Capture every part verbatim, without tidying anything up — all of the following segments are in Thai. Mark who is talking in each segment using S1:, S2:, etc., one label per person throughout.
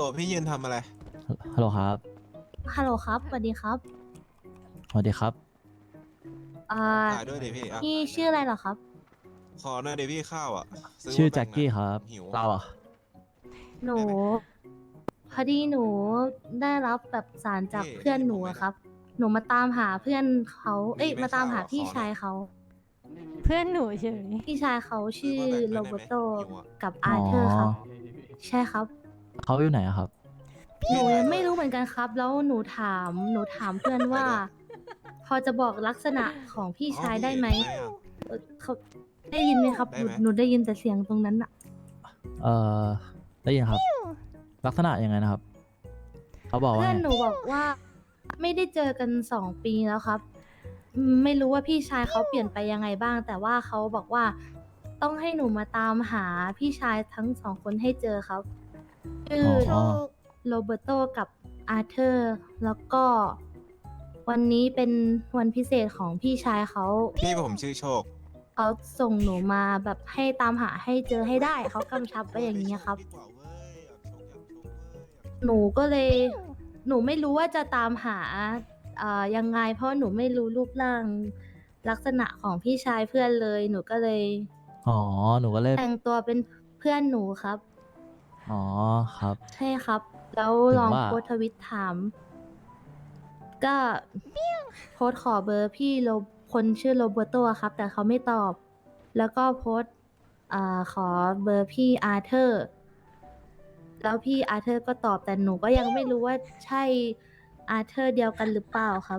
S1: ลพี่ยืนทำอะไร
S2: ฮัลโหลครับ
S3: ฮัลโหลครับสวัสดีครับ
S2: สวัสดีครับ
S3: อ่า
S1: ถ่ายด้วยดิพี่อ่ะ
S3: พี่ชื่ออะไรเหรอครับ
S1: ขอหน่อยดิพี่ข้าวอ่ะซื้อ
S2: ชื่อ
S1: มาแบ่งหน่อย
S2: แจ็คกี้ครับ
S1: หิว
S2: เราอ่ะ
S3: หนู
S1: ได้ไหม
S3: พอดีหนูได้รับแบบสารจาก
S1: พี่
S3: เพื่อนหนู
S1: ผมไม่ได้
S3: อะครับ หนูมาตามหาเพื่อนเขาเอ้ย
S1: มีไหม
S3: มาตามหา
S1: ข้าวอ่ะ
S3: พี่
S1: ขอหน่อย
S3: ชายเขา
S4: เพื่อนหนูเฉย
S3: พี่ชายเขา
S1: ซื้อ
S3: ชื่อ
S1: มาแบ่งห
S3: โร
S1: น่อยได้ไหม
S3: เบโต
S1: หิวอ่ะ
S3: กับ
S2: อ๋อ
S3: อาร์เธอร์ครับ ใช่ครับ
S2: เขาอยู่ไหนอะครับ
S3: หนู
S1: พี่ถ่า
S3: ยัง
S1: ด้ว
S3: ไม่รู้เหมือนกันครับ แล้วหนูถามหนูถามเพื่อนว่า
S1: ถ่ายด้วย
S3: พอจะบอกลักษณะของพี่
S1: อ๋อ
S3: ชาย
S1: พี่
S3: ได้ไหม
S1: ทำอ่ะ
S3: เอ่อเขาได้ยินไหมครับ
S1: ได้
S3: หนู
S1: ไหม
S3: หนูได้ยินแต่เสียงตรงนั้นอะ
S2: เอ่อได้ยินครับ ลักษณะยังไงนะครับ เขาบอกว่า
S3: เพื่อน
S2: ไง
S3: หนูบอกว่าไม่ได้เจอกันสองปีแล้วครับอืมไม่รู้ว่าพี่ชายเขาเปลี่ยนไปยังไงบ้าง แต่ว่าเขาบอกว่าต้องให้หนูมาตามหาพี่ชายทั้งสองคนให้เจอครับชื่อ
S2: อ๋อ
S3: โรเบโตกับอาร์เธอร์แล้วก็วันนี้เป็นวันพิเศษของพี่ชายเขา
S1: พี่ผมชื่อโชค
S3: เขาส่งหนูมาแบบให้ตามหาให้เจอให้ได้เขากำชับไว้อย่างนี้ยครับ
S1: ดีกว่าเว้ยอยากโชคอยากโชคเว้ย
S3: หนูก็เลย หนูไม่รู้ว่าจะตามหาเอ่อยังไง เพราะหนูไม่รู้รูปร่างลักษณะของพี่ชายเพื่อนเลย หนูก็เลย
S2: อ๋อ หนูก็เลย
S3: แต่งตัวเป็นเพื่อนหนูครับ
S2: อ๋อ ครับ
S3: ใช่ครับ แล้ว
S2: ถึง
S3: ลอง
S2: ว่า
S3: โพสต์ทวิตถาม ก็โพสต์ขอเบอร์พี่โรคนชื่อโรเบโตอะครับ แต่เขาไม่ตอบ แล้วก็โพสต์อ่าขอเบอร์พี่อาร์เธอร์ แล้วพี่อาร์เธอร์ก็ตอบ แต่หนูก็ยังไม่รู้ว่าใช่อาร์เธอร์เดียวกันหรือเปล่าครับ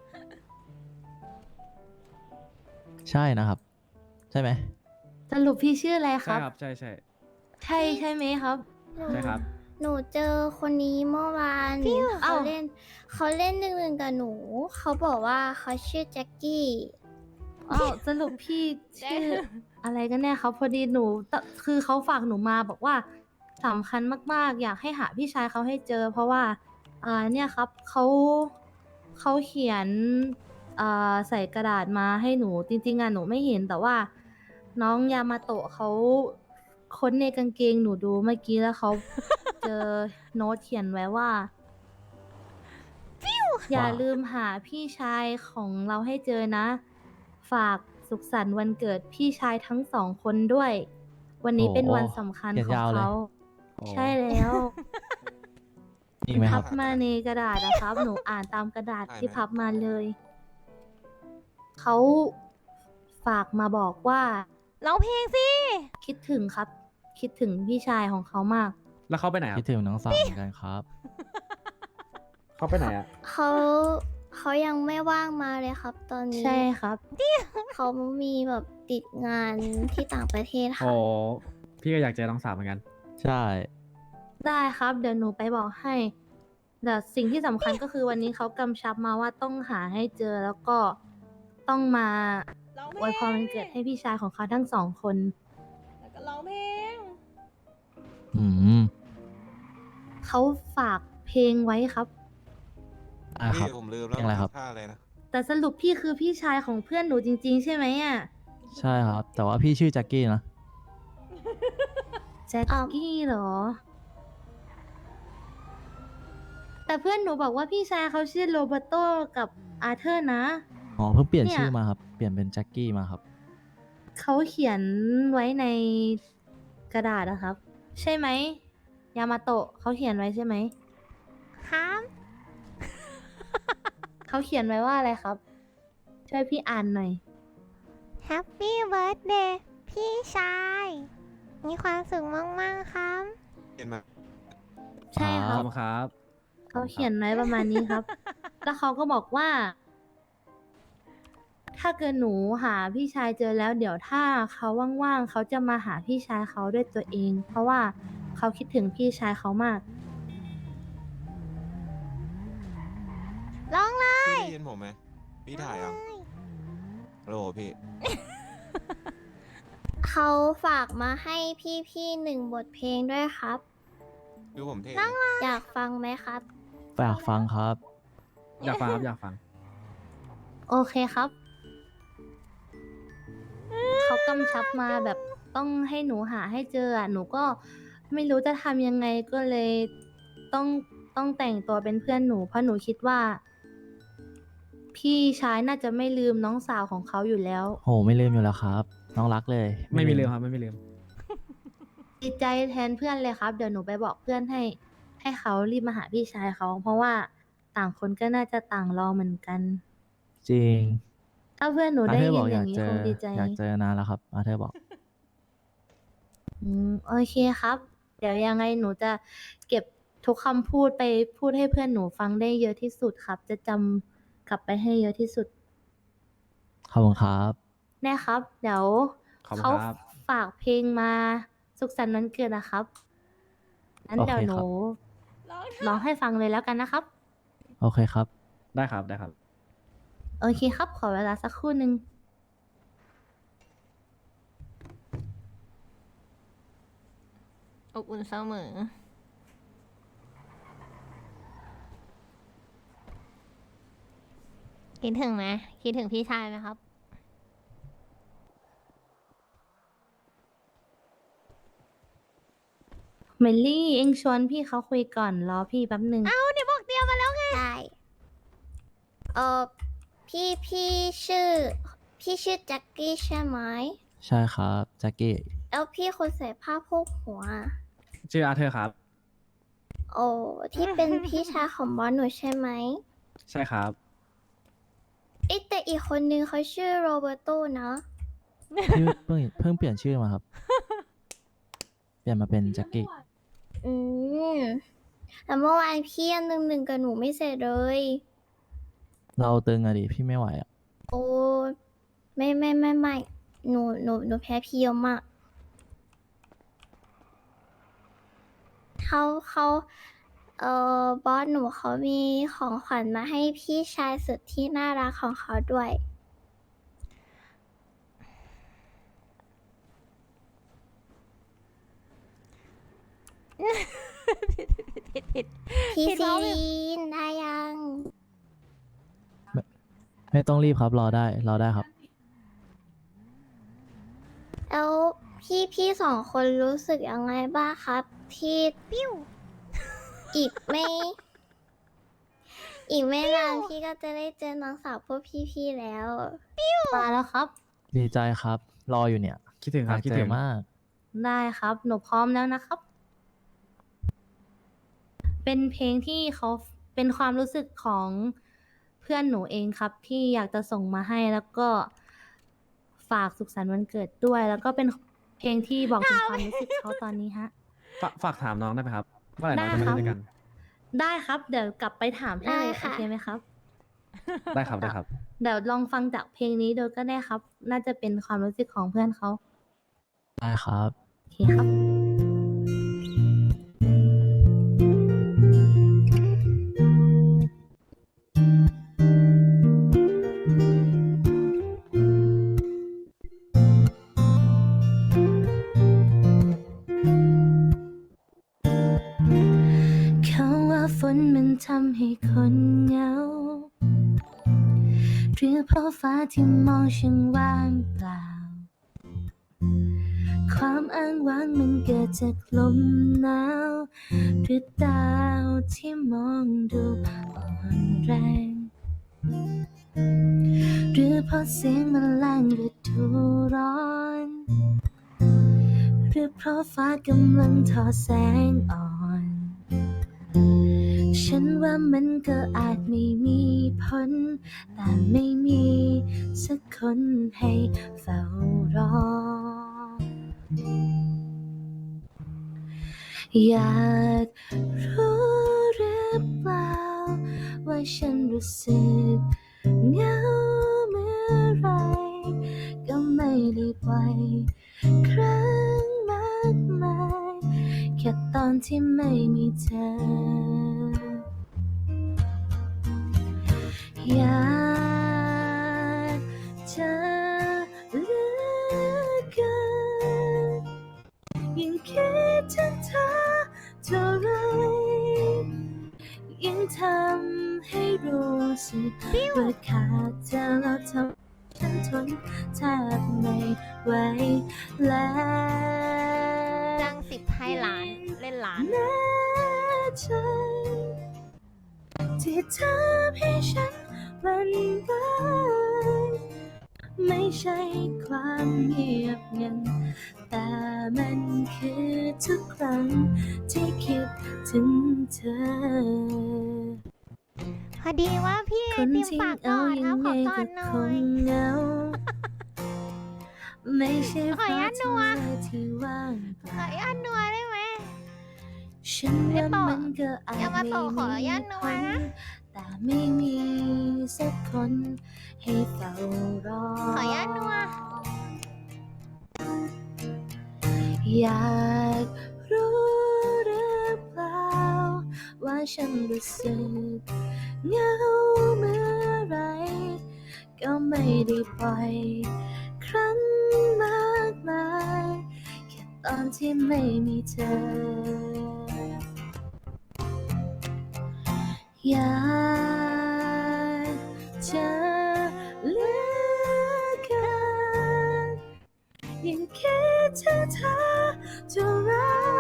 S2: ใช่นะครับ ใช่ไหม
S3: สรุปพี่ชื่ออะไรค
S5: ใช่
S3: รับ
S5: ครับใช่ใช่
S3: ใช่ใช่ไหมครับ
S6: หนู
S5: ใช่ครับ
S6: หนูเจอคนนี้เมื่อวานเขา
S3: อ้าว
S6: เล่นเขาเล่นหนึ่งหนึ่งกับหนู เขาบอกว่าเขาชื่อแจ็คกี้
S3: อ้าวสรุปพี่ชื่ออะไรกันแน่ครับ พอดีหนูตคือเขาฝากหนูมาบอกว่าสำคัญมากๆ อยากให้หาพี่ชายเขาให้เจอ เพราะว่าอ่าเนี่ยครับเขาเขาเขียนอ่าใส่กระดาษมาให้หนูจริงๆอ่ะหนูไม่เห็นแต่ว่าน้องยามาโตะเขาค้นในกางเกงหนูดูเมื่อกี้แล้วเขา เจอโน้ตเขียนไว้ว่า อย่าลืมหาพี่ชายของเราให้เจอนะ ฝากสุขสันต์วันเกิดพี่ชายทั้งสองคนด้วย วันนี้
S2: โอ้
S3: เป็นวันสำคัญ
S2: เขียน
S3: ของ
S2: ยาวเลย
S3: เขา
S5: โอ้
S3: ใช่แล้ว
S2: มีไหมค
S3: พั
S2: รับ
S3: บมาในกระดาษนะครับ หนูอ่านตามกระดาษ
S1: ได้ไหม
S3: ที่พับมาเลย เขาฝากมาบอกว่า
S4: ร้องเพลงสิ
S3: คิดถึงครับ คิดถึงพี่ชายของเขามาก
S5: แล้วเขาไปไหนครั
S2: คิ
S5: บ
S2: ดถึงน้องสาวเหมือนกันครับ
S5: เขาไปไหนอ่ะ
S6: เขาเขายังไม่ว่างมาเลยครับ ตอนนี้
S3: ใช่ครับ
S6: เขามีแบบติดงานที่ต่างประเทศ
S5: โอ้
S6: ค่ะ
S5: พี่ก็อยากเจอน้องสาวเหมือนกัน
S2: ใช่
S3: ได้ครับ เดี๋ยวหนูไปบอกให้ แต่สิ่งที่สำคัญก็คือวันนี้เขากำชับมาว่าต้องหาให้เจอแล้วก็ต้องมา
S4: ร้องเพลง
S3: อวยพรวันเกิดให้พี่ชายของเขาทั้งสองคน
S4: แล้วก็ร้องเพลง
S2: อืม
S3: เขาฝากเพลงไว้ครับ
S2: อ่าครับ
S1: พี่ผมลืมแล้ว
S2: เพลงอะไรครับ
S1: ท่าอะไรนะ
S3: แต่สรุปพี่คือพี่ชายของเพื่อนหนูจริง ๆ ใช่ไหมอ่ะ
S2: ใช่ครับ แต่ว่าพี่ชื่อแจ็คกี้นะ
S3: แจ็คกี้เหรอ แต่เพื่อนหนูบอกว่าพี่ชายเขาชื่อโรเบโตกับอาร์เธอร์นะ
S2: อ๋อ เพิ่งเปลี่ยน
S3: เนี่ย
S2: ชื่อมาครับ เปลี่ยนเป็นแจ็คกี้มาครับ
S3: เขาเขียนไว้ในกระดาษนะครับ ใช่ไหมยามาโตะเขาเขียนไว้ใช่ไหม
S4: ครับ
S3: เขาเขียนไว้ว่าอะไรครับ ช่วยพี่อ่านหน่อย
S4: Happy Birthday พี่ชาย มีความสุขมาก ๆ ครับ
S1: เห็นไหม
S3: ใช่ค
S5: ข
S3: รั
S5: อบบ คุณครับ
S3: เขาเขียนไว้ประมาณนี้ครับ แล้วเขาก็บอกว่า ถ้าเกิดหนูหาพี่ชายเจอแล้ว เดี๋ยวถ้าเขาว่างๆเขาจะมาหาพี่ชายเขาด้วยตัวเอง เพราะว่าเขาคิดถึงพี่ชายเขามาก
S4: ร้องเลย
S1: พี่ได้ยินผมไหมพี่ถ่ายยังโหลพี่
S6: เขาฝากมาให้พี่ๆหนึ่งบทเพลงด้วยครับ
S1: ดูผมเท่
S6: อยากฟังไหมครับ
S2: ฝากฟังครับ
S5: อยากฟังครับ อยากฟัง
S3: โอเคครับ เขากำชับมาแบบต้องให้หนูหาให้เจออ่ะ หนูก็ไม่รู้จะทำยังไงก็เลยต้องต้องแต่งตัวเป็นเพื่อนหนู เพราะหนูคิดว่า พี่ชายน่าจะไม่ลืมน้องสาวของเขาอยู่แล้ว
S2: โหไม่ลืมอยู่แล้วครับ น้องรักเลย
S5: ไม่มีลืมครับไม่มีลืม
S3: ดีใจแทนเพื่อนเลยครับ เดี๋ยวหนูไปบอกเพื่อนให้ ให้เขารีบมาหาพี่ชายเขา เพราะว่าต่างคนก็น่าจะต่างรอเหมือนกัน
S2: จริง
S3: ถ้าเพื่อนหนู
S2: อา
S3: ได้
S2: เธอร์
S3: ยิ
S2: บอน กอยาก
S3: อย่างนี้
S2: เจ
S3: ค
S2: อง
S3: ดีใจ
S2: อยากเจอนานแล้วครับอาเธอร์บอก
S3: อืมโอเคครับ เดี๋ยวยังไงหนูจะเก็บทุกคำพูดไปพูดให้เพื่อนหนูฟังได้เยอะที่สุดครับ จะจำกลับไปให้เยอะที่สุด
S2: ขอบคุณครับ
S3: แน่ครับ เดี๋ยว
S5: ขอบคุณ
S3: เขา
S5: ครับ
S3: ฝากเพลงมาสุขสันต์วันเกิดนะครับงั้น
S2: โอเค
S3: เดี๋ยวหนู
S2: ครับ
S3: ร้องให้ฟังเลยแล้วกันนะครับ
S2: โอเคครับ
S5: ได้ครับได้ครับ
S3: โอเคครับ ขอเวลาสักครู่หนึ่ง
S7: อบอุ่นเสมอ คิดถึงไหมคิดถึงพี่ชายไหมครับ
S3: เมลลี่เองชวนพี่เขาคุยก่อนรอพี่แป๊บหนึ่ง
S6: เอ้าเนี่ยบอกเตรียมมาแล้วไงได้เออพี่พี่ชื่อ พี่ชื่อแจ็คกี้ใช่ไหม
S2: ใช่ครับแจ็คกี้
S6: แล้วพี่คนใส่ผ้าโพกหัว
S5: ชื่ออาเธอร์ครับ
S6: โอ้ที่เป็นพี่ชายของบอสหนูใช่ไหม
S5: ใช่ครับ
S6: เอ๊ะแต่อีกคนนึงเขาชื่อโรเบร์โตนะ
S2: พี่เพิ่งเพิ่งเปลี่ยนชื่อมาครับ เปลี่ยนมาเป็นแจ็คกี้
S6: อืมแต่เมื่อวานพี่ยังหนึ่งหนึ่งกับหนูไม่เสร็จเลย
S2: เราตึงอะดิพี่ไม่ไหวอะ
S6: โอ้ไม่ไม่ไม่ไม่หนูหนูหนูแพ้พี่เยอะมากเขาเขาเอ่อบอสหนูเขามีของขวัญมาให้พี่ชายสุดที่น่ารักของเขาด้วย
S7: ผิดผิดผิดผิด
S6: พี่
S7: ผิด
S6: ซี
S7: แล้ว
S6: รีนได้ยัง
S2: ไม่ต้องรีบครับรอได้รอได้ครับ
S6: แล้วพี่พี่สองคนรู้สึกยังไงบ้างครับ ที่ปิ้วอีกไม่ อีกไม่นานพี่ก็จะได้เจอน้องสาวพวกพี่ๆแล้ว
S3: มาแล้วครับ
S2: ดีใจครับ รออยู่เนี่ย
S5: คิดถึง
S2: อ
S5: ครั
S2: ยา
S5: บ
S2: ก
S5: คิด
S2: เจ
S5: ถึ
S2: อง มาก
S3: ได้ครับ หนูพร้อมแล้วนะครับ เป็นเพลงที่เขาเป็นความรู้สึกของเพื่อนหนูเองครับ ที่อยากจะส่งมาให้แล้วก็ฝากสุขสันต์วันเกิดด้วย แล้วก็เป็นเพลงที่บอกถึงความรู้สึกเขาตอนนี้ฮะ
S5: ฝากฝากถามน้องได้ไหมครับเมื่อไหร่น้องจะมา
S3: ได้
S5: เล่น
S3: ครับ
S5: ด้วยกัน
S3: ได้ครับ เดี๋ยวกลับไปถามให้เลย
S6: ได้
S3: โอ
S6: ค่ะ
S3: เคไหมครับ
S5: ได้ครับได้ครับ
S3: เดี๋ยวลองฟังจากเพลงนี้ดูก็ได้ครับ น่าจะเป็นความรู้สึกของเพื่อนเขา
S2: ได้ครับ
S3: โอเคครับ เขาว่าฝนมันทำให้คนเหงา หรือเพราะฟ้าที่มองช่างว่างเปล่า ความอ้างว้างมันเกิดจากลมหนาว หรือดาวที่มองดูอ่อนแรง หรือเพราะเสียงแมลงฤดูร้อน หรือเพราะฟ้ากำลังทอแสงอ่อน ฉันว่ามันก็อาจไม่มีผล แต่ไม่มีสักคนให้เฝ้ารอ อยากรู้หรือเปล่าว่าฉันรู้สึกเหงาเมื่อไร ก็ไม่ได้บ่อยครั้งมากมายแค่ตอนที่ไม่มีเธอ อยากเจอเหลือเกินยิ่งคิดถึงเธอเท่าไรยิ่งทำให้รู้สึกว่าขาดเธอแล้วทำฉันทนแทบไม่ไหวแล้ว
S7: จ้างสิบให้ล้าน เล่นล้าน
S3: แม้ใจที่เธอให้ฉันหวันไหวไม่ใช่ความเงียบงันแต่มันคือทุกครั้งที่คิดถึงเธอ
S4: พอดีว่าพี่ไอ
S3: คน
S4: ติม
S3: ที่
S4: ฝาก
S3: เอา
S4: ก่อน
S3: ยั
S4: ครับ
S3: ง
S4: ข
S3: ไง
S4: อก่อ
S3: ก็
S4: นหน่
S3: ค
S4: อง ย
S3: เหงา ไม่ใช่
S4: ขออนุญาตนัว
S3: ฟ้าที่ว่างเป
S4: ขอ
S3: ล่า
S4: อนุญาตนัวได้ไหม
S3: ฉันว่ามันก็อาจ
S4: อย่ามา
S3: ไม่
S4: โตขออนุ
S3: มี
S4: ญาตนัว
S3: คน
S4: นะ
S3: แต่ไม่มีสักคนให้เฝ้ารอ
S4: ขออนุญาตนัว
S3: อยากรู้หรือเปล่าว่าฉันรู้สึกเหงาเมื่อไร ก็ไม่ได้ปล่อยครั้งมากมายแค่ตอนที่ไม่มีเธอ อยากจะเหลือเกินยิ่งคิดถึงเธอเท่าไร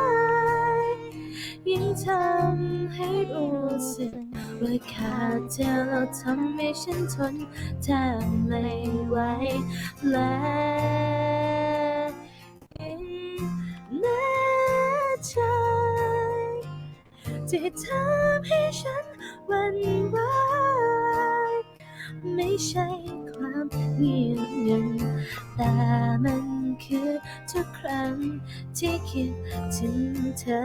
S3: ยิ่งทำให้รู้สึกว่าขาดเธอแล้วทำให้ฉันทนแทบไม่ไหวและยิ่งแน่ใจที่ทำให้ฉันหวันไหวไม่ใช่ความเงียบงันแต่มันคือทุกครั้งที่คิดถึงเธอ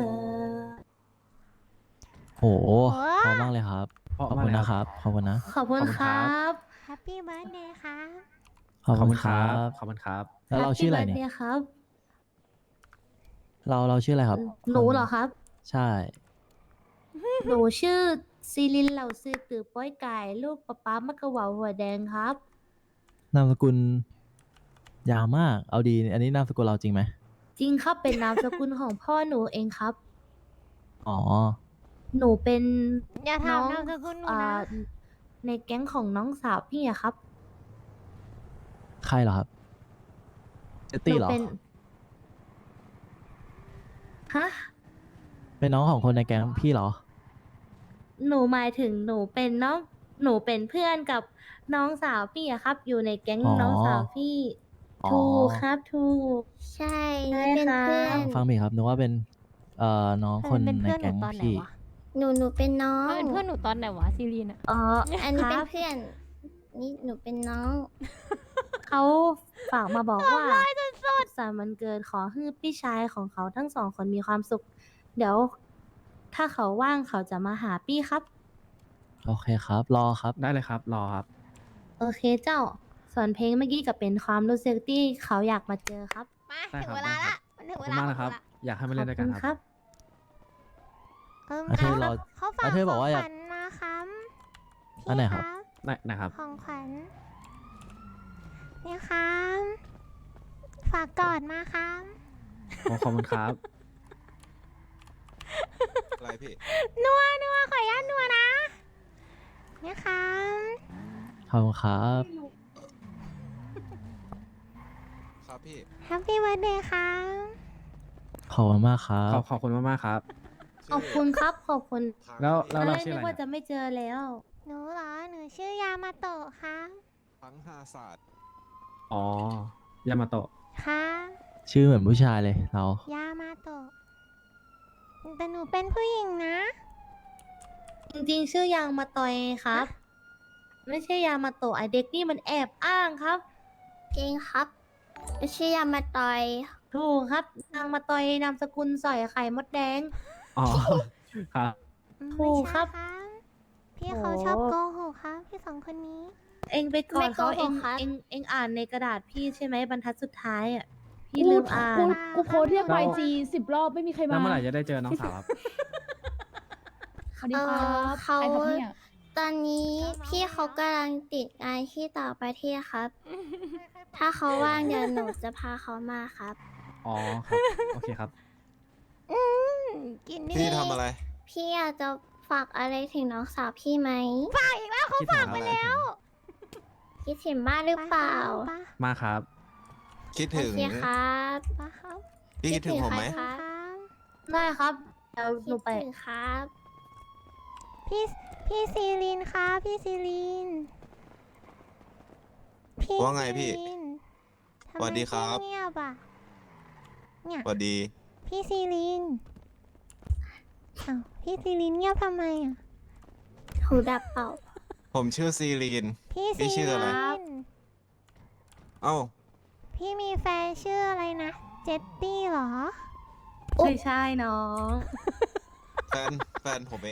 S2: โหพอมากเลยครับ
S5: เพราะ
S2: ขอบ
S5: มาก
S2: คุณ
S5: เลย
S2: นะครับ ขอบคุณนะ
S3: ขอบคุณ
S5: ขอบคุณ
S3: ค
S5: ครั
S3: รับ
S4: แฮปปี้เบิร์ดเดย์ครับ
S2: ขอบ
S5: ขอบ
S2: คุ
S5: คุณ ณ
S2: ค
S5: ค
S2: รั
S5: รับ
S2: บ
S5: ขอบคุณครับ
S2: แล้วเราชื่ออะไรเนี่ย
S3: Happy birthday ครับ
S2: เราเราชื่ออะไรครับ
S3: หนูเหรอครับ
S2: ใช่
S3: หนูชื่อซีลินเหล่าซือตือป้อยไก่ลูกป๊าป๊ามะกะเหว่าหัวแดงครับ
S2: นามสกุลยาวมาก เอาดี อันนี้นามสกุลเราจริงไหม
S3: จริงครับเป็นนามสกุลของพ่อหนูเองครับ
S2: อ๋อ
S3: หนูเป็น
S4: อย่า
S3: น้
S4: ถาม
S3: อง
S4: นามสกุลหนู
S3: อ่า
S4: นะ
S3: ในแก๊งของน้องสาวพี่อะครับ
S2: ใครเหรอครับ เจต
S3: ห
S2: ตี้
S3: นู
S2: เหรอ
S3: เป็นฮะ
S2: เป็นน้องของคนในแก๊งพี่เหรอ
S3: หนูหมายถึงหนูเป็นน้องหนูเป็นเพื่อนกับน้องสาวพี่อะครับ อยู่ในแก๊ง
S2: อ๋อ
S3: น้องสาวพี่
S2: อ๋อ
S3: ถูกครับถูก
S6: ใช่
S3: ใช่
S6: นี่เป็น
S3: ค่ะ
S6: เพื่อน
S2: ฟังผิดครับนึกว่าเป็น เอ่อ น้องคน
S7: เป็น
S2: ใน
S7: เพื่อนหนู
S2: แก๊ง
S7: ตอนไหน
S2: พี่
S7: วะ
S6: หนูหนูเป็นน้อง
S7: มันเป็นเพื่อนหนูตอนไหนวะซีรีนอะ
S3: อ๋อ
S6: อันนี้
S3: ค
S6: เป็น
S3: รับ
S6: เพื่อน นี่หนูเป็นน้อง
S3: เขาฝากมาบอกว่าสามวันเกิดขอให้พี่ชายของเขาทั้งสองคนมีความสุข เดี๋ยว ถ้าเขาว่างเขาจะมาหาพี่ครับ
S2: โอเคครับ รอครับ
S5: ได้เลยครับ รอครับ
S3: โอเคเจ้า ส่วนเพลงเมื่อกี้ก็เป็นความรู้สึกที่เขาอยากมาเจอครับ
S4: มา
S5: ได้
S4: ถึง
S5: ครับ
S4: เวลา
S5: ได้ครั
S4: ละ
S5: บ
S4: มันถึง
S5: ขอบ
S4: เว
S5: คุณ
S4: ลาม
S5: ากนะครับ
S4: ของหละ
S5: อยากให้มา
S3: ข
S5: เล่
S3: อบ
S5: นด้วย
S3: คุ
S5: กัน
S3: ณ
S5: ค
S3: ครับ รับ
S4: เอิม
S2: อาเธอร์
S4: เขา
S2: รอ
S4: เขาฝาก
S2: อาเธอร์
S4: ข
S2: บ
S4: อ
S2: อก
S4: ง
S2: ว่า
S4: ข
S2: อยาก
S4: วัญมาครับ
S2: อันไหนครับ
S5: ได้นะครับ
S4: ของขวัญนี่ครับ ฝากกอดมาครับ
S5: ขอขอบคุณครับ
S1: อะไรพี่
S4: นัวนัวขออนุญาตนัวนะนี่ครับ
S2: ขอบคุณครับ
S1: ครับพี่
S4: แฮปปี้วันเดย์ครับ
S2: ขอบคุณมากครับ
S5: ขอบขอบคุณมากๆครับ
S3: ขอบคุณครับ ขอบคุณ
S1: ทาง
S5: แล้ว
S1: พี่
S5: แล้วเรา
S3: ตนก
S5: ชื่ออะไร
S3: นึกว่า
S5: เนี่ย
S3: จะไม่เจอแล้ว
S4: หนูเหรอ หนูชื่อยามาโตะครับ
S1: ทั้งห้าศาสตร์
S5: อ๋อ ยามาโตะ
S4: ครับ
S2: ชื่อเหมือนผู้ชายเลยเรา
S4: ยามาโตะแต่หนูเป็นผู้หญิงนะ
S3: จริงๆ ชื่อยางมาตอยครับ ไม่ใช่ยางมาโตะไอเด็กนี่มันแอบอ้างครับ
S6: จริงครับชื่อยามาตอย
S3: ถูกครับยางมาตอยนามสกุลสอยไข่มดแดง
S5: อ๋อ ครับ
S3: ถูกครับ
S4: ไม่ใช่พี่เขา
S3: โอ้
S4: ชอบโกหกครับ พี่สองคนนี้
S3: เองไปก่อนเขาเองเองเองอ่านในกระดาษพี่ใช่ไหมบรรทัดสุดท้ายอ่ะ พี่ลืมอ่าน
S8: กูกูโพสต์เรียก
S5: แล้
S8: ไป
S5: ว
S8: จีสิบรอบไม่มีใคร
S5: แล้ว
S8: มา
S5: เมื่อไหร่จะได้เจอน้องสาวครับ
S8: สวัสดี
S6: เอ
S8: ครั
S6: อบ เขา
S8: ใครครับเนี่ย
S6: ตอนนี้พี่เขากำลังติดงานที่ต่างประเทศครับ ถ้าเขาว่างเดี๋ยวหนูจะพาเขามาครับ
S5: อ๋อครับ โอเคครับ
S4: กินนี่
S1: พี่ทำอะไร
S6: พี่อยากจะฝากอะไรถึงน้องสาวพี่ไหม
S5: คิดถึงไปแล้ว
S6: คิดถึงมากหรือเปล่า
S4: ป้า
S5: มาครับ
S1: คิด
S6: โอ
S1: ถึง
S6: เคครับ
S4: ป้าครับ
S1: พี่คิดถึงผมไหม
S6: คิดถึงใคร
S4: ครับ
S3: ได้ครับเดี๋ยวหนูไป
S6: คิดถึงครับ
S4: พี่พี่พี่ซีลินครับพี่ซีลินพี่
S1: ว่าไงพี่
S4: ซีลินทำ
S1: สวัสดีครับ
S4: ไมพี่เงียบอ่ะเนี่ย
S1: สวัสดี
S4: พี่ซีลินอ้าวพี่ซีลินเงียบทำไมอ่ะ
S6: หูดับเปล่า
S1: ผมชื่อซีรีน
S4: พี่
S1: พี่
S4: ซี
S1: ชื่ออะไร
S4: ลิน
S1: เอ้า
S4: พี่มีแฟนชื่ออะไรนะเจตตี้เหรอ
S3: ไม่ใช่น้อง
S1: แฟน แฟนผมเอง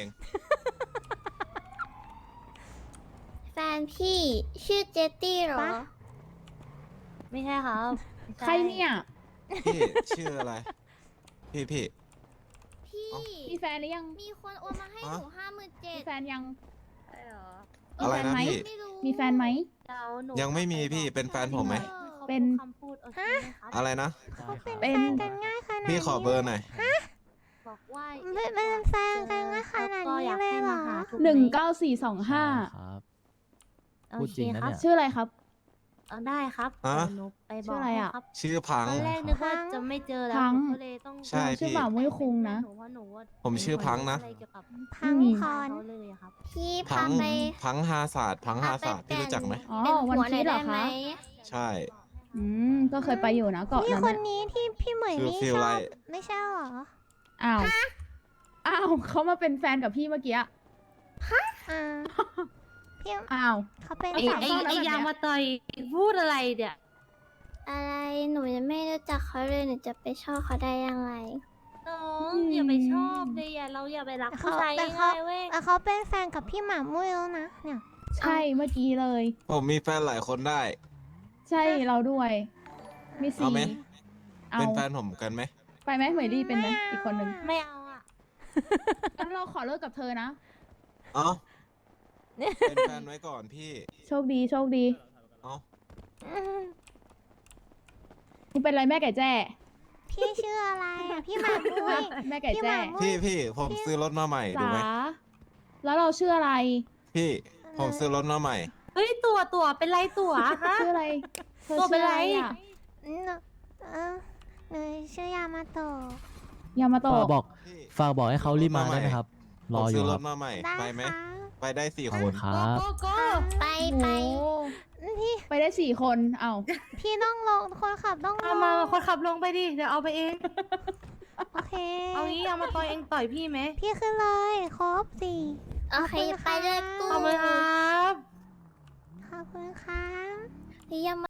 S6: แฟนพี่ชื่อเจตตี้เหรอ
S4: ปะ
S3: ไม่ใช่ครับไม่ช่
S8: ใครเนี่ย
S1: พี่ ชื่ออะไร พี่พี่
S6: พี่
S8: มีแฟนหรือยัง
S6: มีคนโอนมาให้หนูห้าหมื่นเจ็
S8: มี
S6: ด
S8: แฟนยัง
S3: ใช่เหรอ
S8: มี
S1: อะไร
S8: แฟน
S1: นะ
S8: ไหม
S1: พี่
S6: ไม่รู้
S8: มีแฟนไหม
S3: เดี๋ยวหนู
S1: ยังไม่มีพี่เป็นแฟนผมไหม
S3: เขา
S8: เป็น
S3: พูดคำพูดโอเคไหมครับ
S1: อะไรนะ
S4: เขาเป็น
S8: เป็
S4: แฟ
S8: น
S4: นกันง่ายขนาดนี้
S1: พี่ขอเบอร์หน่อย
S3: บอกว่า
S4: เป็นเป็นแฟนกันง่ายขนาดนี้เลยเหรอ
S8: หนึ่งเก้าสี่สองห้า
S2: ครับ
S3: โอ
S2: พูด
S3: เค
S2: จริงนะ
S3: ครับ
S2: เนี่ย
S8: ชื่ออะไรครับ
S3: เอาได้ครับ
S1: ฮะ
S3: เดี๋ยวหนูไปบ
S8: ชื่
S3: อก
S8: ออะไร
S3: ให้
S8: อะ
S3: ครับ
S1: ชื่อพัง
S3: ตอนแรกนึกว่าจะไม่เจอแล้ว
S8: พัง
S3: หนูก็เลยต้อง
S1: ใช่
S8: ชื่อ
S1: พี่
S8: บ่าวมุ้ยคุงนะ
S3: หนูว่าหนูว่า
S1: ผมชื่อพังนะ
S3: อะไรเกี่ยวกับ
S4: พัง
S8: อืม
S4: พร
S3: เขาเลยอะครับ
S6: พี่
S1: พั
S6: พางไป
S1: พังฮาศาสตร์พังฮาศาสตร์
S6: พาไป
S1: พี่รู้จักไหม
S8: อ๋อ
S6: เป็น
S8: วัน
S6: หัวห
S8: พี
S6: น่อย
S8: ชเหร
S6: ได้
S8: อ
S6: ไหม
S8: คะ
S1: ใช่
S8: อืม ก็เคยไปอยู่นะเกาะ
S4: พี่
S8: นั้น
S4: คน
S8: น่ะ
S4: นี้ที่พี่เหมย
S1: คือ
S4: นี่
S1: ฟี
S4: ช
S1: ล
S4: อ
S1: ไล
S4: บ
S1: ท์
S4: ไม่ใช่เหรอ
S8: อ้าว อ้าวเขามาเป็นแฟนกับพี่เมื่อกี้อะ
S4: อ่าพี่
S8: อ้าว
S4: เขาเป็น
S3: ไอ้
S8: สาว
S3: ไอ้
S8: ชอบแล้ว
S3: ไอ้
S8: แบบเนี้ย
S3: ยางมาต่อยพูดอะไรเนี่ย
S6: อะไรหนูยังไม่รู้จักเขาเลยหนูจะไปชอบเขาได้ยังไง
S3: น้องอย่าไปชอบเลยอย่าเราอย่าไปรักผู้ชาย
S4: แต่เขา
S3: ง่ายๆเว้ย
S4: แต่เขาเป็นแฟนกับพี่หมามุ้ยแล้วนะเนี่ย
S8: ใช่เมื่อกี้เลย
S1: ผมมีแฟนหลายคนได้
S8: ใช่เราด้วย มี
S1: เอา
S8: สี่
S1: ไหม
S8: เอา
S1: เป็นแฟนผมกันไหม
S8: ไปไหมเหมยลี่เป็นไหมอีกคนนึง
S3: ไม่เอาอ่ะ
S8: งั้นเราขอเลิกกับเธอนะ
S1: เอ้า เป็นแฟนไว้ก่อนพี่
S8: โชคดีโชคดี
S1: เอ้า
S4: อืม
S8: มึงเป็นอะไรแม่ไก่แจ้
S4: พี่ชื่ออะไรอ่ะพี่หมามุ้ย
S8: แม่ไก่
S4: พี่ห
S8: แจ้
S4: มามุ้
S1: พี่
S4: ย
S1: พี่ผมซื้อรถมาใหม่ดู
S8: จ๋า
S1: ไหม
S8: แล้วเราชื่ออะไร
S1: พี่ ผมซื้อรถมาใหม่
S3: เฮ้ยตัวตัวเป็นไรตัวฮะ
S8: ชื่ออะไรเธอ
S3: ตัวเป็น
S8: ชื่อ
S3: ไร
S8: อะไรอ่ะ
S4: อืมเออหนูชื่อยามาโตะ
S8: ยามาโตะ
S2: ฝากบอก
S1: พี่
S2: ฝากบอกให้เขารีบมาได้ไหมครับ ร
S1: ผ
S2: อ
S1: ม
S2: อ
S1: ซื้
S2: ยู่
S1: อ
S2: ค
S1: ร
S2: รับ
S1: ถมาใหม่
S4: ได้
S1: ไปไหม
S4: ค่ะ
S1: ไปได้สี่
S2: ขอบ
S1: ค
S2: คุ
S1: น
S2: ณครับ
S3: โกโก้
S6: ไป
S8: โอ้
S6: ไป
S4: พี่
S8: ไปได้สี่คนเอ้า
S4: พี่ต้องลงคนขับต้องล
S3: เอา
S4: ง
S3: มาคนขับลงไปดิเดี๋ยวเอาไปเอง
S4: โอเค
S3: เอางี้เอามาต่อยเองต่อยพี่ไหม
S4: พี่ขึ้นเลยครบสี่
S6: โอเคไปเลยกู
S3: ขอบคุณครับ
S4: ขอบคุณครับ
S6: ยัง